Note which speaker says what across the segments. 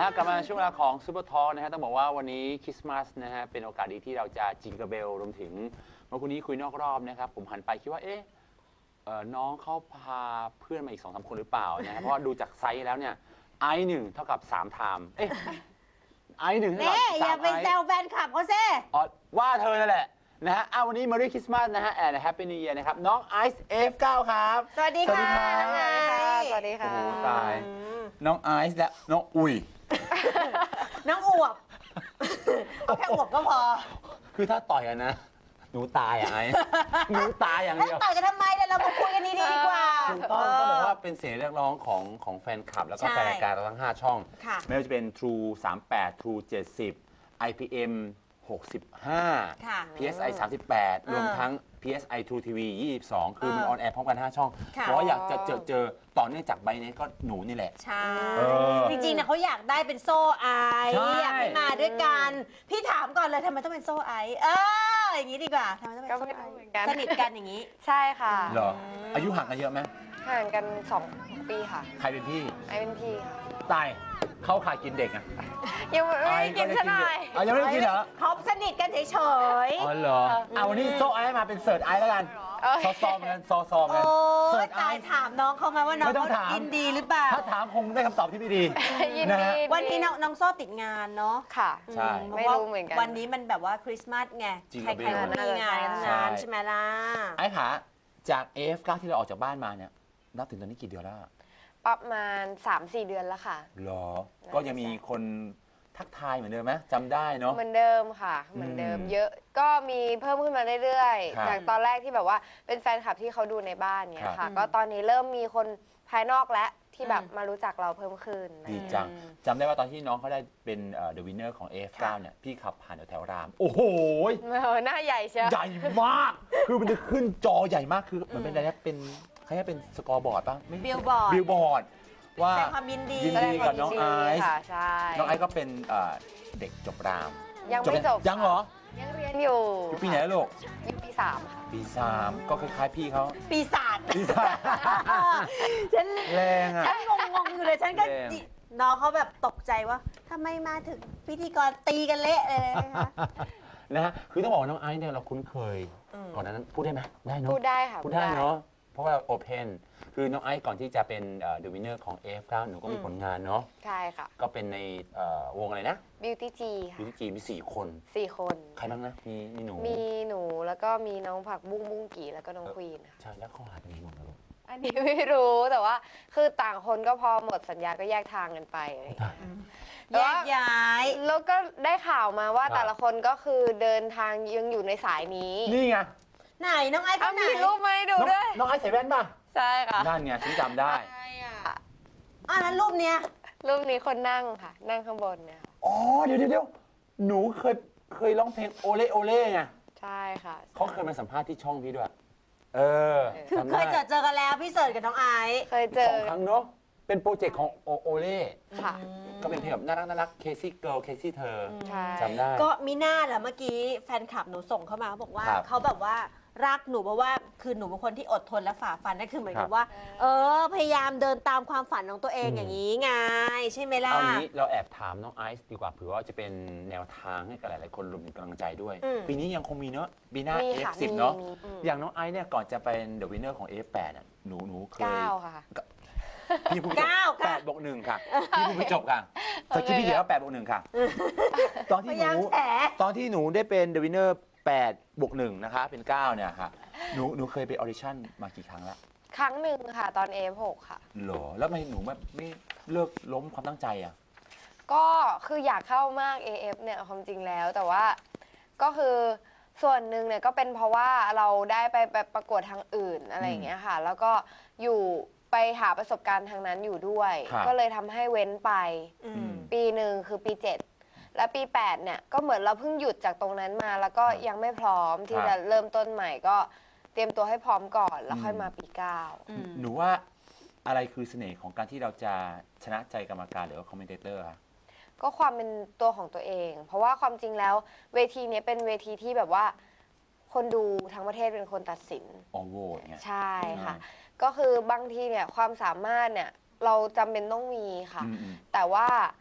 Speaker 1: ฮะกลับมาช่วงเวลาของซูเปอร์ทอล์กนะฮะต้องบอกว่าวันนี้คริสต์มาสนะฮะเป็นโอกาสดีที่เราจะจิงเกิลเบลรวมถึงเมื่อคืนนี้คุยนอกรอบนะครับผมหันไปคิดว่าน้องเขาพาเพื่อนมาอีก2-3 คนหรือเปล่านะฮะเพราะว่าดูจากไซส์แล้วเนี่ยไอซ์1เท่ากับ3 ไทม์ไอซ์1เท่ากับ3
Speaker 2: อย่าไปแซวแฟนคลับเขาซิ
Speaker 1: อ๋อว่าเธอนั่นแหละนะฮะวันนี้ Merry Christmas นะฮะ and Happy New Year นะครับน้องไอซ์ F9 ครับ
Speaker 2: สวัสดีค่ะน้องไอซ์
Speaker 3: สวัสดีค่ะ
Speaker 1: โอ้โหตายน้องไอซ์และน้องอุ๋ย
Speaker 2: น้องอวบเอาแค่อวบก็พอ
Speaker 1: คือถ้าต่อยกันนะ หนูตายอ่ะไอ้ หนูตายอย่าง
Speaker 2: แล้ว
Speaker 1: เดียว
Speaker 2: ต่อยกันทำไมเรามาคุยกันดีๆกว่า
Speaker 1: ถูกต้องต้องบอกว่าเป็นเสียงเรียกร้องของแฟนคลับ แล้วก็
Speaker 2: ใช่
Speaker 1: แฟนรายการเราทั้ง 5 ช่อง
Speaker 2: ค่ะ
Speaker 1: ไม่ว่าจะเป็น True 38 True 70 IPM 65
Speaker 2: ค่ะ
Speaker 1: PSI 38 รวมทั้ง PSI True TV 22 คือมันออนแอร์พร้อมกัน 5 ช่อง
Speaker 2: ค่ะ
Speaker 1: เพราะว่าอยากจะเจอต่อเนื่องจากใบนี้ก็หนูนี่แหละ
Speaker 2: ใช่
Speaker 1: เออ
Speaker 2: จริงๆนะเขาอยากได้เป็นโซ่ไอซ์
Speaker 1: ใช่
Speaker 2: อยากให้มาด้วยกัน พี่ถามก่อนเลยทำไมต้องเป็นโซ่ไอซ์อย่างนี้ดีกว่าทำไมต้องเป็น
Speaker 3: ก็
Speaker 2: โซ่
Speaker 3: ไม่
Speaker 2: ไอ
Speaker 3: รู้
Speaker 2: ซ์
Speaker 3: เหมือนกัน
Speaker 2: สนิทกันอย่างนี้
Speaker 3: ใช่ค่ะ
Speaker 1: เหรอ อายุห่างกันเยอะไหม
Speaker 3: ห่างกัน2 ปีค่ะ
Speaker 1: ใครเป็นพี่
Speaker 3: ไอเป็นพี่ค่ะ
Speaker 1: ตาย เข้าข่ายกินเด็กอ่ะ
Speaker 3: ยังไม่ได้กินซะหน่อย
Speaker 1: อ๋อยังไม่ได้กินเหรอ
Speaker 2: เขาสนิทกันเฉย
Speaker 1: อ๋อเหรอวันนี้โซ่ไอซ์มาเป็นเสิร์ชไอซ์แล้วกัน
Speaker 3: เออ
Speaker 1: ซอมกันซอม
Speaker 2: ๆ
Speaker 1: กัน
Speaker 2: โอ้
Speaker 1: เสิร์
Speaker 2: ย
Speaker 1: ชไอ
Speaker 2: ตาย
Speaker 1: ซ์
Speaker 2: ถามน้องเขามาว่าน้อง
Speaker 1: ไม่ต้อง
Speaker 2: เขา
Speaker 1: ถาม
Speaker 2: กินดีหรือเปล่า
Speaker 1: ถ้าถามคงได้คำตอบที่ไม่ดี
Speaker 3: ยิน
Speaker 1: นะ
Speaker 3: ดี
Speaker 1: ฮะ
Speaker 2: วันนี้น้องโซ่ติดงานเนาะ
Speaker 3: ค่ะ
Speaker 1: ใช่
Speaker 3: ไม่รู้เหมือนกัน
Speaker 2: วันนี้มันแบบว่าคริสต์มาสไง
Speaker 1: จริง
Speaker 2: ใครๆก็มีงานทั้ง
Speaker 1: ใช่
Speaker 2: นั้นใช่ไหมล่ะ
Speaker 1: ไอ้ขาจาก AF9 ที่เราออกจากบ้านมาเนี่ยนับถึงตอนนี้กี่เดือนแล้วอะ
Speaker 3: ประมาณ 3-4 เดือนแล้วค่ะ
Speaker 1: หรอ ก็ยังมีคนทักทายเหมือนเดิมไหมจำได้เนาะ
Speaker 3: เหมือนเดิมค่ะ เหมือนเดิม เยอะ ก็มีเพิ่มขึ้นมาเรื่อย
Speaker 1: ครับ
Speaker 3: ๆ จากตอนแรกที่แบบว่าเป็นแฟนคลับที่เขาดูในบ้านเนี่
Speaker 1: ครั
Speaker 3: ย
Speaker 1: บ
Speaker 3: ค่ะ ก็ตอนนี้เริ่มมีคนภายนอกและที่แบบมารู้จักเราเพิ่มขึ้น
Speaker 1: ดีจังจำได้ว่าตอนที่น้องเขาได้เป็นThe Winner ของ AF9 เนี่ยพี่ขับผ่านแถวๆราม โอ้โห
Speaker 3: หน้าใหญ่เชียว
Speaker 1: ใหญ่มาก คือมันจะขึ้นจอใหญ่มากคือเหมือนเป็นอะไรนะเป็นใครจะเป็นสกอร์บอร์ดป่ะไม่
Speaker 2: บิลบอร์ด
Speaker 1: บิลบอร์ดว่า
Speaker 2: แสดงความยินดี
Speaker 1: ยินดีกับน้องไอซ์
Speaker 3: ค่ะใช่
Speaker 1: น้องไอซ์ก็เป็นเด็กจบราม
Speaker 3: ยังไม่จบ
Speaker 1: ยังเหรอ
Speaker 3: ยังเรียนอยู่
Speaker 1: อยู่ปีไหนแล้วลูก
Speaker 3: อยู่ปี 3 ค่ะ
Speaker 1: ปี 3 ก็คล้ายๆพี่เขา
Speaker 2: ปีศาจ
Speaker 1: ปีศาจ
Speaker 2: ฉัน
Speaker 1: แรงอ่ะ
Speaker 2: ฉันงงๆอยู่เลยฉันก็
Speaker 1: แรง
Speaker 2: น้องเขาแบบตกใจว่าทำไมมาถึงพิธีกรตีกันเละเลยนะคะ
Speaker 1: นะฮะคือต้องบอกว่าน้องไอซ์เนี่ยเราคุ้นเคย
Speaker 2: อืม
Speaker 1: ก่อนหนานั้นพูดได้ไหมได้เนาะ
Speaker 3: พูดได้ค่ะ
Speaker 1: พูดได้เนาะเพราะว่าโอเพนคือน้องไอซ์ก่อนที่จะเป็นเดอะวินเนอร์ของ AF9 หนูก็มีผลงานเนาะ
Speaker 3: ใช่ค่ะ
Speaker 1: ก็เป็นในวงอะไรนะ
Speaker 3: Beauty G ค่ะ
Speaker 1: ยูทีจีมี 4 คน
Speaker 3: 4 คน
Speaker 1: ใครบ้างนะ มีหนู
Speaker 3: มีหนูแล้วก็มีน้องผักบุ้งบุ้งกี่แล้วก็น้องควีนค่ะ
Speaker 1: ใช่แล้วเขาหายไปไหนหมดแล้วลูก
Speaker 3: อันนี้ไม่รู้แต่ว่าคือต่างคนก็พอหมดสัญญาก็แยกทางกันไปอะไรอย่างเงี้ย
Speaker 2: แยกย้าย
Speaker 3: แล้วก็ได้ข่าวมาว่า
Speaker 1: ครับ
Speaker 3: แต่ละคนก็คือเดินทางยังอยู่ในสายนี้
Speaker 1: นี่ไง
Speaker 2: ไหนน้องไอซ์
Speaker 3: เอา
Speaker 2: คนไหน
Speaker 3: มีรูปมาให้ดูด้วย
Speaker 1: น้องไอซ์ใส่แว่นป่ะ
Speaker 3: ใช่ค่ะ
Speaker 1: นั่นไงฉันจำได้
Speaker 3: ใช่อ่ะ
Speaker 2: นั้นรูปเนี้ย
Speaker 3: รูปนี้คนนั่งค่ะ นั่งข้างบนเนี่ยค่ะ
Speaker 1: อ๋อเดี๋ยวหนูเคยร้องเพลงโอเล่โอเล่ไง
Speaker 3: ใช่ค่ะ
Speaker 1: เขาเคยมาสัมภาษณ์ที่ช่องพี่ด้วย เออ
Speaker 2: คือ
Speaker 1: จำ
Speaker 2: เค
Speaker 1: ได้
Speaker 2: ยเจอกันแล้วพี่เสิร์ชกับน้องไอซ์
Speaker 3: เคยเจอ
Speaker 1: 2 ครั้งเนาะเป็นโปรเจกต์ของโอเล่
Speaker 3: ค่ะ
Speaker 1: ก็เป็นเพลงแบบน่ารักเคซี่เกิร์ลเคซี่เธอ
Speaker 3: ใช่
Speaker 1: จำได้
Speaker 2: ก็มีหน้าแหละเมื่อกี้แฟนคลับหนูส่งเข้ามาบอกว่า
Speaker 1: ครับ
Speaker 2: เขาแบบว่ารักหนูเพราะว่าคือหนูเป็นคนที่อดทนและฝ่าฟันนั่นคือเหมือน
Speaker 1: ครั
Speaker 2: กับบ ว่า พยายามเดินตามความฝันของตัวเอง
Speaker 1: อืม
Speaker 2: อย่างนี้ไงใช่ไหมล่ะ
Speaker 1: เอางี้เราแอบถามน้องไอซ์ดีกว่าเผื่อว่าจะเป็นแนวทางให้กับหลายๆคนรวมถึงกำลังใจด้วย
Speaker 2: อืม
Speaker 1: ปีนี้ยังคงมีเนาะปีหน้า
Speaker 3: มีค่ะ
Speaker 1: F10 เนาะ
Speaker 3: มี
Speaker 1: อย่างน้องไอซ์เนี่ยก่อนจะเป็นเดอะวินเนอร์ของ F8 อ่ะหนูเคย
Speaker 3: 9 ค่ะ
Speaker 1: พี่พูดจบ 8+1 ค่ะพี่พูดไม่จบค่ะสกิปพี่เดียวว่า8+1 ค่ะ ตอน
Speaker 2: พ
Speaker 1: ที่
Speaker 2: ยา
Speaker 1: ห
Speaker 2: ยาม
Speaker 1: นู
Speaker 2: แฉ
Speaker 1: ตอนที่หนูได้เป็นเดอะวินเนอร์8+1 นะคะเป็น 9 เนี่ยค่ะหนูเคยไปออดิชั่นมากี่ครั้งแล้ว
Speaker 3: ครั้งหนึ่งค่ะ ตอน F6 ค่ะ
Speaker 1: หรอแล้วทำไมหนูแบบไม่เลิกล้มความตั้งใจอ่ะ
Speaker 3: ก็คืออยากเข้ามาก AF เนี่ยความจริงแล้วแต่ว่าก็คือส่วนหนึ่งเนี่ยก็เป็นเพราะว่าเราได้ไปประกวดทางอื่นอะไรอย่างเงี้ยค่ะ แล้วก็อยู่ไปหาประสบการณ์ทางนั้นอยู่ด้วย
Speaker 1: ครับ
Speaker 3: ก็เลยทำให้เว้นไป
Speaker 2: อืม
Speaker 3: ปีหนึ่งคือปี 7 และปี 8 เนี่ยก็เหมือนเราเพิ่งหยุดจากตรงนั้นมา แล้วก็ยังไม่พร้อมที่จะเริ่มต้นใหม่ก็เตรียมตัวให้พร้อมก่อนแล้วค่อยมาปี 9
Speaker 2: อืม
Speaker 1: หนูว่าอะไรคือเสน่ห์ของการที่เราจะชนะใจกรรมการหรือว่าคอมเมนเตอร์คะ
Speaker 3: ก็ความเป็นตัวของตัวเอง เพราะว่าความจริงแล้วเวทีนี้เป็นเวทีที่แบบว่าคนดูทั้งประเทศเป็นคนตัดสิน
Speaker 1: ออโหวตไง
Speaker 3: ใช่ค่ะ ก็คือบางทีเนี่ยความสามารถเนี่ยเราจำเป็นต้องมีค่ะ
Speaker 1: อืม
Speaker 3: แต่ว่า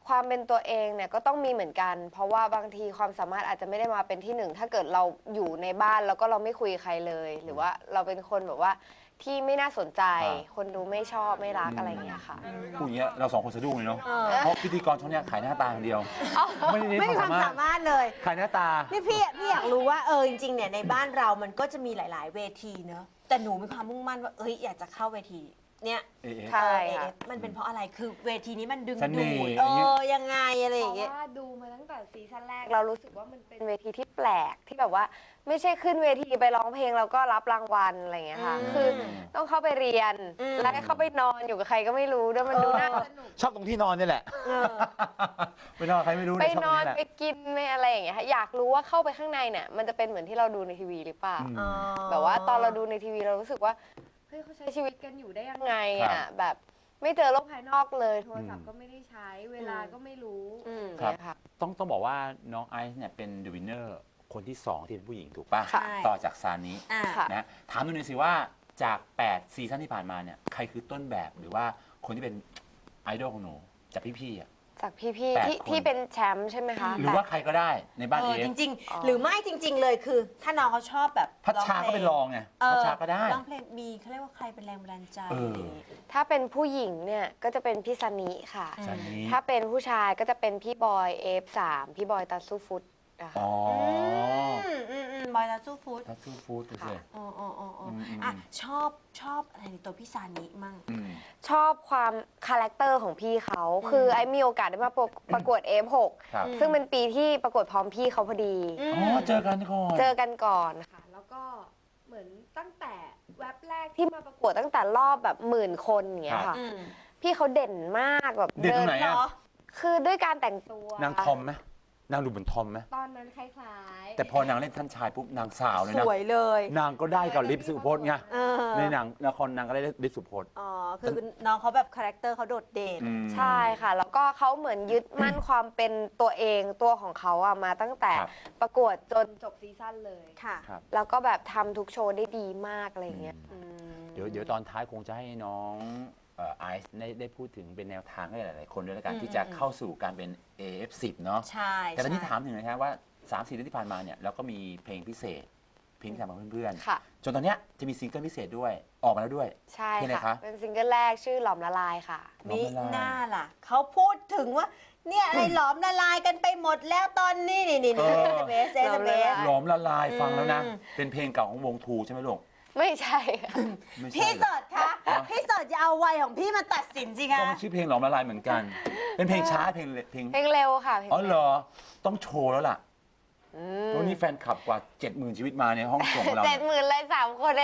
Speaker 3: ความเป็นตัวเองเนี่ยก็ต้องมีเหมือนกัน เพราะว่าบางทีความสามารถอาจจะไม่ได้มาเป็นที่หนึ่งถ้าเกิดเราอยู่ในบ้านแล้วก็เราไม่คุยกับใครเลย หรือว่าเราเป็นคนแบบว่าที่ไม่น่าสนใจ คนดูไม่ชอบไม่รักอะไรอย่างเงี้ยค่ะ
Speaker 1: พูดอย่างเงี้ยเราสองคนสะดุ้งเลยเนาะ
Speaker 2: เออ
Speaker 1: เพราะพิธีกรช่องเนี้ยขายหน้าตาอย่างเดียว ไม่ได้
Speaker 2: ไม่
Speaker 1: เน้น
Speaker 2: มีความ ม
Speaker 1: คาวสา
Speaker 2: สาม
Speaker 1: ารถ
Speaker 2: มารถเลย
Speaker 1: ขายหน้าตา
Speaker 2: นี่พี่อยากรู้ว่าจริงๆเนี่ยในบ้านเรามันก็จะมีหลาย ๆ เวทีเนอะแต่หนูมีความมุ่งมั่นว่าอยากจะเข้าเวทีเนี่ย
Speaker 3: ใช่ ค่ะ
Speaker 2: มันเป็นเพราะอะไรคือเวทีนี้มันดึง
Speaker 1: เสน่
Speaker 2: ดู
Speaker 1: ห์
Speaker 2: ด
Speaker 1: อย่างเงี้ย
Speaker 2: ยังไงอะไรอ
Speaker 3: เพ
Speaker 2: ย่าง
Speaker 3: ราะ
Speaker 2: เงี้ย
Speaker 3: ว่าดูมาตั้งแต่ซีซั่นแรกเรารู้สึกว่ามันเป็นเวทีที่แปลกที่แบบว่าไม่ใช่ขึ้นเวทีไปร้องเพลงแล้วก็รับรางวัลอะไรอย่างเงี้ยค่ะ
Speaker 2: อืม
Speaker 3: คือต้องเข้าไปเรียน
Speaker 2: อืม
Speaker 3: แล้วให้เข้าไปนอนอยู่กับใครก็ไม่รู้ด้วยมันดูน่าสนุก
Speaker 1: ชอบตรงที่นอนนี่แหละ
Speaker 2: เออ
Speaker 1: ไปนอนใครไม่รู้
Speaker 3: ไป
Speaker 1: เยชอบ
Speaker 3: น
Speaker 1: ตร
Speaker 3: อง น
Speaker 1: แหละ
Speaker 3: ไปกินไม่อะไรอย่างเงี้ยค่ะอยากรู้ว่าเข้าไปข้างในเนี่ยมันจะเป็นเหมือนที่เราดูในทีวีหรือเปล่า
Speaker 1: อืม
Speaker 2: อ๋อ
Speaker 3: แบบว่าตอนเราดูในทีวีเรารู้สึกว่าเฮ้ยเขาใช้ชีวิตกันอยู่ได้ยังไง
Speaker 1: ครั
Speaker 3: อ่ะ
Speaker 1: บ
Speaker 3: แบบไม่เจอโลกภายนอกเลยโทรศัพท์ก็ไม่ได้ใช้เวลาก็ไม่รู้
Speaker 1: ครับ
Speaker 3: เนี่ยค่ะ
Speaker 1: ต้องบอกว่าน้องไอซ์เนี่ยเป็นเดอะวินเนอร์คนที่ 2 ที่เป็นผู้หญิงถูกป่ะ
Speaker 3: ค่ะ
Speaker 1: ต่อจากซานิ
Speaker 2: อ่ะ
Speaker 3: ค่ะ
Speaker 1: นะถามหน่อยสิว่าจาก 8 ซีซั่นที่ผ่านมาเนี่ยใครคือต้นแบบหรือว่าคนที่เป็นไอดอลของหนูจากพี่ๆอ่ะ
Speaker 3: จากพี่
Speaker 1: แปด
Speaker 3: ๆที่
Speaker 1: คน
Speaker 3: ที่เป็นแชมป์ใช่ไหมคะ
Speaker 1: หรือว่าใครก็ได้ในบ้านเอฟ
Speaker 2: จริง
Speaker 3: อ๋อ
Speaker 2: ๆ หรือไม่จริง ๆ เลยคือ ถ้าน้องเขาชอบแบบ
Speaker 1: พัชชาก็เป็นรองไงพัชชาก็ได้
Speaker 2: ร้องเพลงมีเขาเรียกว่าใครเป็นแรงบันดาลใจ
Speaker 1: เออ
Speaker 2: อะไรอย่างงี้
Speaker 3: ถ้าเป็นผู้หญิงเนี่ยก็จะเป็นพี่ซันนี่ค่ะ
Speaker 1: ซานิ
Speaker 3: ถ้าเป็นผู้ชายก็จะเป็นพี่บอย F3 พี่บอยตัดสู้ฟุตนะคะ
Speaker 1: อ๋อ
Speaker 2: บอยลาซูฟูด
Speaker 1: ทัตซูฟู้ดดูสิ
Speaker 3: ค่ะ
Speaker 2: อ๋อ
Speaker 1: ม
Speaker 2: อ่ะชอบอะไรในตัวพี่ซานิมั่ง
Speaker 1: อืม
Speaker 3: ชอบความคาแรคเตอร์ของพี่เขาคือไอ้มีโอกาสได้มาประกวด F6
Speaker 1: ครับ
Speaker 2: อืม
Speaker 3: ซึ่งเป็นปีที่ประกวดพร้อมพี่เขาพอดี
Speaker 1: อ๋อเจอกันก่อน
Speaker 3: เจอกันก่อนค่ะ แล้วก็เหมือนตั้งแต่แว็บแรกที่มาประกวดตั้งแต่รอบแบบ10,000 คนอย่างเงี้ยค่ะ
Speaker 2: อืม
Speaker 3: พี่เขาเด่นมากแบบ
Speaker 1: เด่นตรงไหน
Speaker 2: เหร
Speaker 1: อ่ะ
Speaker 2: อ
Speaker 3: คือด้วยการแต่งตัวน
Speaker 1: างทอมไหมนางดูเหมือนทอมไหม
Speaker 3: ตอนนั้นคล้ายๆ
Speaker 1: แต่พอนางเล่นท่านชายปุ๊บนางสาวเลย
Speaker 2: ส
Speaker 1: นะ
Speaker 2: วยเลย
Speaker 1: นางก็ได้กับลิฟสุพจน์ไง
Speaker 2: เออ
Speaker 1: ในหนังละครนางก็ได้ลิฟสุพจน์
Speaker 2: อ๋อคือน้องเขาแบบคาแรคเตอร์เขาโดดเด่น
Speaker 1: อืม
Speaker 3: ใช่ค่ะ แล้วก็เขาเหมือนยึดมั่นความเป็นตัวเองตัวของเขาอะมาตั้งแต่
Speaker 1: ครับ
Speaker 3: ประกวดจนจบซีซั่นเลย
Speaker 2: ค่ะ
Speaker 1: ครับ
Speaker 3: แล้วก็แบบทำทุกโชว์ได้ดีมากอะไรอย่างเงี้ย
Speaker 2: อืม
Speaker 1: เดี๋ยวตอนท้ายคงจะให้น้องไอซ์ได้พูดถึงเป็นแนวทางให้หลายๆคนด้วยแล้วกันที่จะเข้าสู่การเป็น AF10 เนาะ
Speaker 2: ใช่
Speaker 1: แต่ตอนนี้
Speaker 2: ใช่
Speaker 1: ถามถึงนะครับว่า 3-4 เดือนที่ผ่านมาเนี่ยเราก็มีเพลงพิเศษ เพลงที่ทำกับเพื่อน
Speaker 3: ค่ะ
Speaker 1: ๆ จนตอนเนี้ยจะมีซิงเกิลพิเศษด้วยออกมาแล้วด้วย
Speaker 3: ใช่
Speaker 1: เพลงอะไร
Speaker 3: ค่ะ
Speaker 1: คะ
Speaker 3: เป็นซิงเกิลแรกชื่อหลอมละลายค่ะ
Speaker 1: น้อง
Speaker 2: มิ
Speaker 1: ละลาย
Speaker 2: หน้าล่ะ เขาพูดถึงว่า เนี่ยอะไรหลอมละลายกันไปหมดแล้วตอนนี้นี่
Speaker 1: เออ
Speaker 2: SMS
Speaker 3: หลอมละลาย
Speaker 1: หลอมละลายฟังแล้วนะ
Speaker 2: อืม
Speaker 1: เป็นเพลงเก่าของวงทูใช่ไหมลูก
Speaker 3: ไม่ใช่ค่ะ
Speaker 1: ไม่ใช่
Speaker 2: พี่
Speaker 1: เหร
Speaker 2: เสิร์ชคะพี่เสิร์ชจะเอาวัยของพี่มาตัดสินสิคะ
Speaker 1: ก็มันชื่อเพลงหลอมละลายเหมือนกัน เป็นเพลงช้าเพลง
Speaker 3: เพลงเร็วค่ะเพลง
Speaker 1: อ๋อเหรอต้องโชว์แล้วล่ะ
Speaker 3: อื
Speaker 1: วันนี้แฟนคลับกว่า 70,000 ชีวิตมาในห้องส่งของเรา
Speaker 3: 70,000เลย3 คนเอง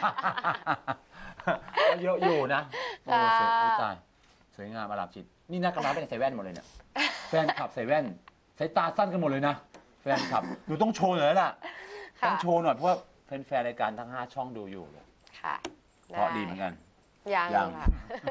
Speaker 1: ก็เยอะอยู่นะโอ้สวย
Speaker 3: ค่ะ
Speaker 1: โอ้ตายสวยงามอลามจิต นี่นักกำลังเป็นใส่แว่นหมดเลยเนี่ยแฟนคลับใส่แว่นสายตาสั้นกันหมดเลยนะแฟนคลับหนูต้องโชว์หน่อยแล้วล่ะ
Speaker 3: ค่ะ
Speaker 1: ต้องโชว์หน่อยเพราะว่าแฟนๆรายการทั้ง 5 ช่องดูอยู่เลย
Speaker 3: ค่ะ
Speaker 1: เพราะดีเหมือนกัน
Speaker 3: ยัง
Speaker 1: ยัง
Speaker 3: ค่ะ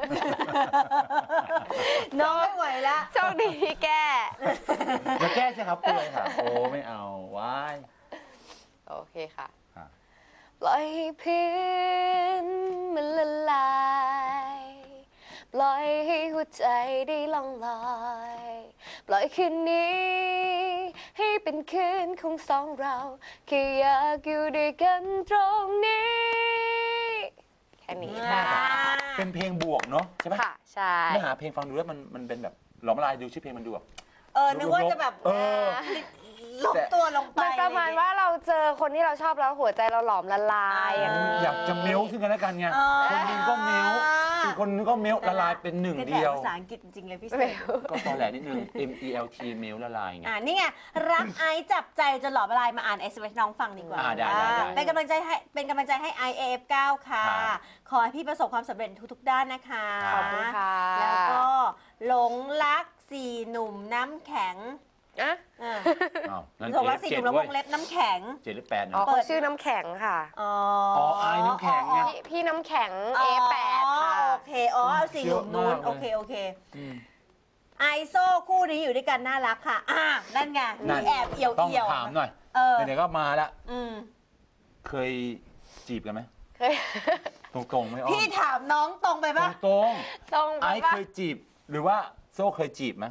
Speaker 2: น้องไม่ไหวละ
Speaker 3: โชคดีที่แก้
Speaker 1: อย่าแก้สิครับเปื่อยค่ะ โอ้ไม่เอาว้าย
Speaker 3: โอเคค่ะ
Speaker 1: ค่ะ
Speaker 3: ปล่อยให้พื้นมันละลาย ปล่อยให้หัวใจได้ล่องลอย ปล่อยคืนนี้ ให้เป็นคืนของสองเราแค่อยากอยู่ด้วยกันตรงนี้ แค่นี้ค่ะ
Speaker 1: เป็นเพลงบวกเนาะใช่ไหม
Speaker 3: ค่ะ ใช่
Speaker 1: เนื้อหาเพลงฟังดูแล้วมันเป็นแบบหลอมละลายดูชื่อเพลงมันดูแบบ
Speaker 2: นึกว่าจะแบบ
Speaker 1: เออ
Speaker 2: ลบตัวลงไป
Speaker 3: มันประมาณว่าเราเจอคนที่เราชอบแล้วหัวใจเราหลอมละลายอย่างนี้
Speaker 1: อยากจะเมลซึ่งกันและกันไง คนหนึงก็เมลอีกคนนึงก็เมลละลายเป็นหนึ่ง
Speaker 2: เป็น
Speaker 1: เดียว
Speaker 2: ภาษาอังกฤษจริงๆเลยพี่เสิ
Speaker 3: ไม่
Speaker 2: ร์ช
Speaker 3: รู้
Speaker 1: ก็ตอนแหลนิดนึง MELT เมลละลายไง
Speaker 2: นี่ไงรักไอซ์จับใจจนหลอมละลายมาอ่าน SMS น้องฟังดีกว่า
Speaker 1: ได้
Speaker 2: เป็นกำลังใจให้ IAF9 ค่ะ
Speaker 1: ครับ
Speaker 2: ขอให้พี่ประสบความสำเร็จทุกๆด้านนะคะ
Speaker 3: ขอบคุณค่ะ
Speaker 2: แล้วก็หลงรักสี่หนุ่มน้ำแข็ง
Speaker 3: อะ
Speaker 2: อ่า
Speaker 1: อ้าวนั่น
Speaker 2: หลงรักสี่ห
Speaker 1: เจ็
Speaker 2: นุ่
Speaker 1: ด
Speaker 2: มแล้วว
Speaker 1: เว้ย
Speaker 2: งเล็บน้ำแข็ง
Speaker 1: 7 หรือ 8
Speaker 3: อ๋อ
Speaker 1: เนาะ
Speaker 3: เขาชื่อน้ำแข็งค่ะ
Speaker 2: อ๋อ
Speaker 1: ไอน้ำแข็งไง
Speaker 3: พี่น้ำแข็ง A8 ค่ะ
Speaker 2: โอเคเอาสี่หนุ่มนู้น
Speaker 1: เยอะมากเลย
Speaker 2: โอเค
Speaker 1: ม
Speaker 2: ไอโซ่คู่นี้อยู่ด้วยกันน่ารักค่ะ นั่นไง
Speaker 1: นั่
Speaker 2: มี
Speaker 1: น
Speaker 2: แอบเอี่ยว
Speaker 1: ต้อง
Speaker 2: เอี่ยว
Speaker 1: ถามหน่อย
Speaker 2: เออ
Speaker 1: ไหนๆก็มาแล้ว
Speaker 2: อืม
Speaker 1: เคยจีบกันไหม
Speaker 3: เคย
Speaker 1: ตรงๆไม่อ้อ
Speaker 2: พี่
Speaker 1: ม
Speaker 2: ถามน้องตรงไปปะ
Speaker 1: ตรง
Speaker 3: ตรง
Speaker 1: ๆ
Speaker 3: ไป
Speaker 1: ไอ
Speaker 3: ปะ
Speaker 1: เคยจีบหรือว่าโซ่เคยจีบไหม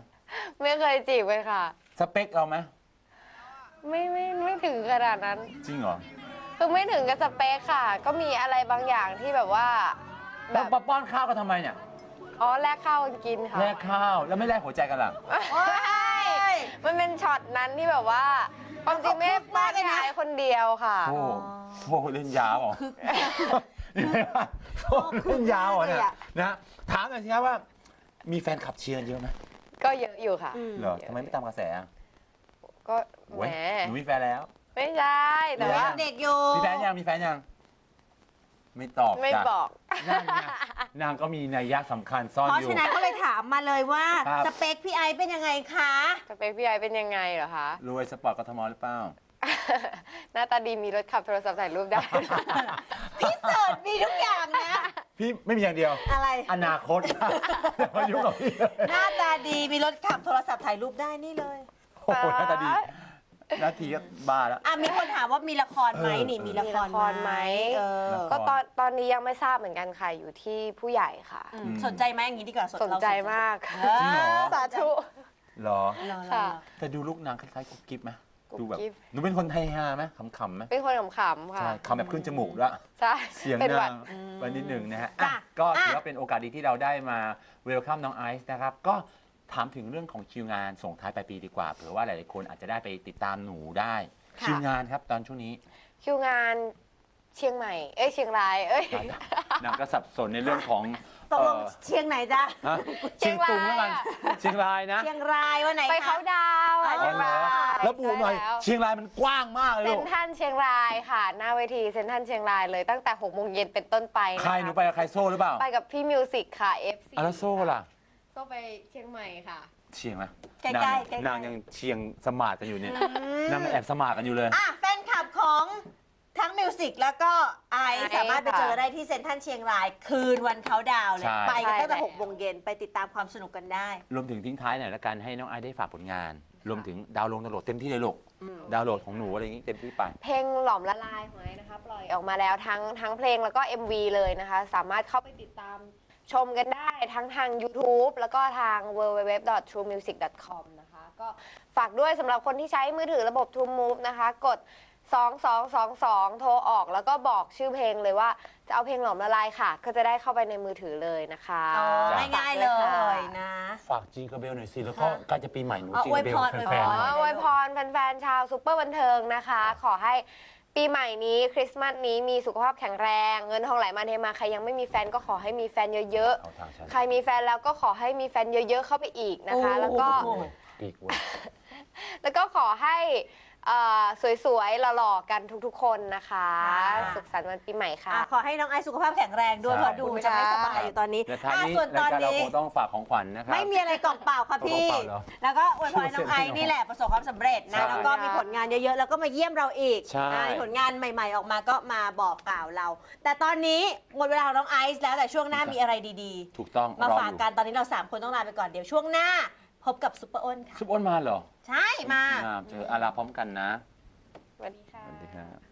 Speaker 3: ไม่เคยจีบเลยค่ะ
Speaker 1: สเปคเราไหม
Speaker 3: ไม่ถึงขนาดนั้น
Speaker 1: จริงเหรอ
Speaker 3: คือไม่ถึงกับสเปคค่ะ ก็มีอะไรบางอย่างที่แบบว่าแบ
Speaker 1: แล้ว
Speaker 3: บ
Speaker 1: มาป้อนข้าวกันทำไมเนี่ย
Speaker 3: อ๋อแลกข้าวกันกินค่ะ
Speaker 1: แลกข้าวแล้วไม่แลกหัวใจกันล่ะ
Speaker 3: โอ๊ยมันเป็นช็อตนั้นที่แบบว่าความจริงไม่ได้ป้อนพี่ไอคนเดียวค่ะ
Speaker 1: โอ้เล่นยาวเหรอนี่ไงวะโซ่เล่นยาวเหรอเนี่ยนะถามหน่อยสิครับว่า มีแฟนขับเชียร์กันเยอะไหม
Speaker 3: ก็เยอะอยู่ค่ะ
Speaker 1: เหรอทำไมไม่ตามกระแสอ่ะ
Speaker 3: ก็แห
Speaker 1: โอ้ย
Speaker 3: ม
Speaker 1: หนูมีแฟนแล้ว
Speaker 3: ไม่ใช่แต่ว่า
Speaker 2: เด็กอยู่
Speaker 1: มีแฟนยังมีแฟนยังไม่ตอบ
Speaker 3: ไม่
Speaker 1: จ้ะ
Speaker 3: บอก
Speaker 1: นั่นไงนางก็มีนัยยะสำคัญซ่อน
Speaker 2: เพราะ
Speaker 1: อยู่
Speaker 2: ฉะนั้นก็เลยถามมาเลยว่า
Speaker 1: ครับ
Speaker 2: สเปคพี่ไอซ์เป็นยังไงคะ
Speaker 3: สเปคพี่ไอเป็นยังไงเหรอคะ
Speaker 1: รวยสปอร์ตกทมหรือเปล่า
Speaker 3: หน้าตาดีมีรถขับโทรศัพท์ถ่ายรูปได้
Speaker 2: พี่เสิร์ชมีทุกอย่างนะ
Speaker 1: พี่ไม่มีอย่างเดียว
Speaker 2: อะไร
Speaker 1: อนาคต อย่ามายุ่งกับพี่เลย
Speaker 2: หน้าตาดีมีรถขับโทรศัพท์ถ่ายรูปได้นี่เลย
Speaker 1: โอ้โหหน้าตาดีนาทีก็บ้าแล้ว
Speaker 2: อ่ะมีคนถามว่ามีละครไหมนี่มีละคร
Speaker 3: มีละครไหม
Speaker 2: เออ
Speaker 3: ก็ตอนนี้ยังไม่ทราบเหมือนกันค่ะ อยู่ที่ผู้ใหญ่ค่ะ
Speaker 2: สนใจไหมอย่างนี้ดีกว่า
Speaker 3: สนใจมากค่ะ
Speaker 1: จริงเหรอ
Speaker 3: สาธุ
Speaker 1: เหรอ
Speaker 2: รอ
Speaker 3: ค่ะ
Speaker 1: แต่ดูลูกนางคล้ายๆกุ๊บกิ๊บไหม
Speaker 3: กุ๊บ
Speaker 1: ดูแบบ
Speaker 3: กิ๊บ
Speaker 1: หนูเป็นคนไทยฮาไหมขำๆไหม
Speaker 3: เป็นคนขำๆค่ะ
Speaker 1: ใช่คำแบบขึ้นจมูกด้วย
Speaker 3: ใช่
Speaker 1: เสียง
Speaker 3: เป็นหวั
Speaker 1: นา
Speaker 3: ด
Speaker 1: งไปนิดหนึ่งนะฮะ
Speaker 2: จ้ะ
Speaker 1: อ่ะก็ถือ
Speaker 2: อ่ะ
Speaker 1: ว่าเป็นโอกาสดีที่เราได้มาเวลคัมน้องไอซ์นะครับ ก็ถามถึงเรื่องของคิวงานส่งท้ายปลายปีดีกว่าเผื่อว่าหลายๆคนอาจจะได้ไปติดตามหนูได้
Speaker 2: ค่ะ
Speaker 1: คิวงานครับตอนช่วงนี้
Speaker 3: คิวงานเชียงใหม่ เชียงราย
Speaker 1: นางก็สับสนในเรื่องของ
Speaker 2: ตกลงเชียงไหนจ๊ะ
Speaker 1: ฮะเชียงตุงแล้วกัน
Speaker 3: เชียงรายอะ
Speaker 1: เชียงรายนะ
Speaker 2: เชียงรายวันไหน
Speaker 3: ไป
Speaker 2: คะ
Speaker 3: เขาดาวน์อะ
Speaker 2: อ๋อ
Speaker 3: เชียงราย
Speaker 1: แล้วบูหน่อย
Speaker 3: ใช่แล้ว
Speaker 1: เชียงรายมันกว้างมากเลย
Speaker 3: เซ็
Speaker 1: ลู
Speaker 3: น
Speaker 1: ก
Speaker 3: ทรัลเชียงรายค่ะ หน้าเวทีเซ็นทรัลเชียงรายเลยตั้งแต่6 โมงเย็นเป็นต้นไปนะคะ
Speaker 1: ใครหนูไปกับใครโซ่หรือเปล่า
Speaker 3: ไปกับพี่มิวสิกค่ะ FC
Speaker 1: อ่ะแล้วโซ่ล่ะ
Speaker 3: โซ่ไปเชียงใหม่ค่ะ
Speaker 1: เชียงไหม
Speaker 2: ใกล้ๆ
Speaker 1: นาง
Speaker 2: ใกล้ๆ
Speaker 1: นางยังเชียงสมาร์ทกันอยู่เนี่ยนางแอบสมาร์ทกันอยู่เลย
Speaker 2: อ่ะแฟนคลับของทั้งมิวสิกแล้วก็ไอซ์
Speaker 3: ไอซ์
Speaker 2: สามารถไป
Speaker 3: ค่ะ
Speaker 2: เจอได้ที่เซ็นทรัลเชียงรายคืนวันเขาดาวน์เลย
Speaker 1: ใช่
Speaker 2: ไปกันตั้งแต่
Speaker 3: ใช่
Speaker 2: 6 โมงเย็นไปติดตามความสนุกกันได้
Speaker 1: รวมถึงทิ้งท้ายหน่อยละกันให้น้องไอซ์ได้ฝากผลงาน รวมถึงดาวน์โหลดเต็มที่เลยลูกดาวน์โหลดของหนูอะไรอย่างงี้เต็มที่ไป
Speaker 3: เพลงหลอมละลายของไอ้นะคะ ปล่อยออกมาแล้วทั้งเพลงแล้วก็ MV เลยนะคะ สามารถเข้าไปติดตามชมกันได้ทั้งทาง YouTube แล้วก็ทาง www.truemusic.com นะคะ ก็ฝากด้วยสำหรับคนที่ใช้มือถือระบบ True Move นะคะ กด 2222 โทรออกแล้วก็บอกชื่อเพลงเลยว่าจะเอาเพลงหลอมละลายค่ะ ก็จะได้เข้าไปในมือถือเลยนะคะ
Speaker 2: อ๋อ
Speaker 1: จ้ะ
Speaker 2: ง่ายๆเลยนะ
Speaker 1: ฝากจิงกระเบลหน่อยสิ แล้วก็
Speaker 2: ค่ะ
Speaker 1: ใกล้จะปีใหม่หนู
Speaker 2: อ๋อ
Speaker 1: จิงกระเบล
Speaker 2: อวยพร
Speaker 1: แฟนๆห
Speaker 3: อ๋
Speaker 1: น่
Speaker 3: อ
Speaker 1: อย
Speaker 3: อวยพรแฟนๆชาวซุปเปอร์บันเทิงนะคะ ขอให้ปีใหม่นี้คริสต์มาสนี้มีสุขภาพแข็งแรง เงินทองไหลมาเทมาใครยังไม่มีแฟนก็ขอให้มีแฟนเยอะ
Speaker 1: เอาทางฉัน
Speaker 3: ๆ ใครมีแฟนแล้วก็ขอให้มีแฟนเยอะๆเข้าไปอีกนะคะ
Speaker 2: โอ้
Speaker 3: แล้วก็
Speaker 1: ปีกเว้ย
Speaker 3: แล้วก็ขอให้สวยๆหล่อๆกันทุกๆคนนะคะ สุขสันต์วันปีใหม่ค่ะ
Speaker 2: อ่ะขอให้น้องไอซ์สุขภาพแข็งแรงด้วย
Speaker 1: ใช่
Speaker 2: เพราะดูจะไม่สบายอยู่ตอนนี้
Speaker 1: และท้ายนี้
Speaker 2: ส่วนต
Speaker 1: รา
Speaker 2: อย น
Speaker 1: การเรา
Speaker 2: นี้
Speaker 1: คงต้องฝากของขวัญนะครับ
Speaker 2: ไม่มีอะไรกล่องเปล่าค่ะพี่
Speaker 1: กล่องเปล่าเหรอ
Speaker 2: แล้วก็อวยพรน้องไอซ์นี่แหละประสบความสำเร็จนะ
Speaker 1: ใช่
Speaker 2: แล้วก็มีผลงานเยอะๆ แล้วก็มาเยี่ยมเราอีก
Speaker 1: ใช่
Speaker 2: มีผลงานใหม่ๆออกมาก็มาบอกกล่าวเรา แต่ตอนนี้หมดเวลาของน้องไอซ์แล้วแต่ช่วงหน้ามีอะไรดี
Speaker 1: ถูกต้อง
Speaker 2: ๆ มาร
Speaker 1: อ
Speaker 2: ฝาก
Speaker 1: อยู่
Speaker 2: กันตอนนี้เรา3คนต้องลาไปก่อนเดี๋ยวช่วงหน้า พบกับซุปเปอร์อ้นค่ะ
Speaker 1: ซุปอ้นมาเหรอ
Speaker 2: ใช่มา
Speaker 1: เจออาราพร้อมกันนะ
Speaker 3: สวัสดีค่ะ
Speaker 1: สวัสดีครับ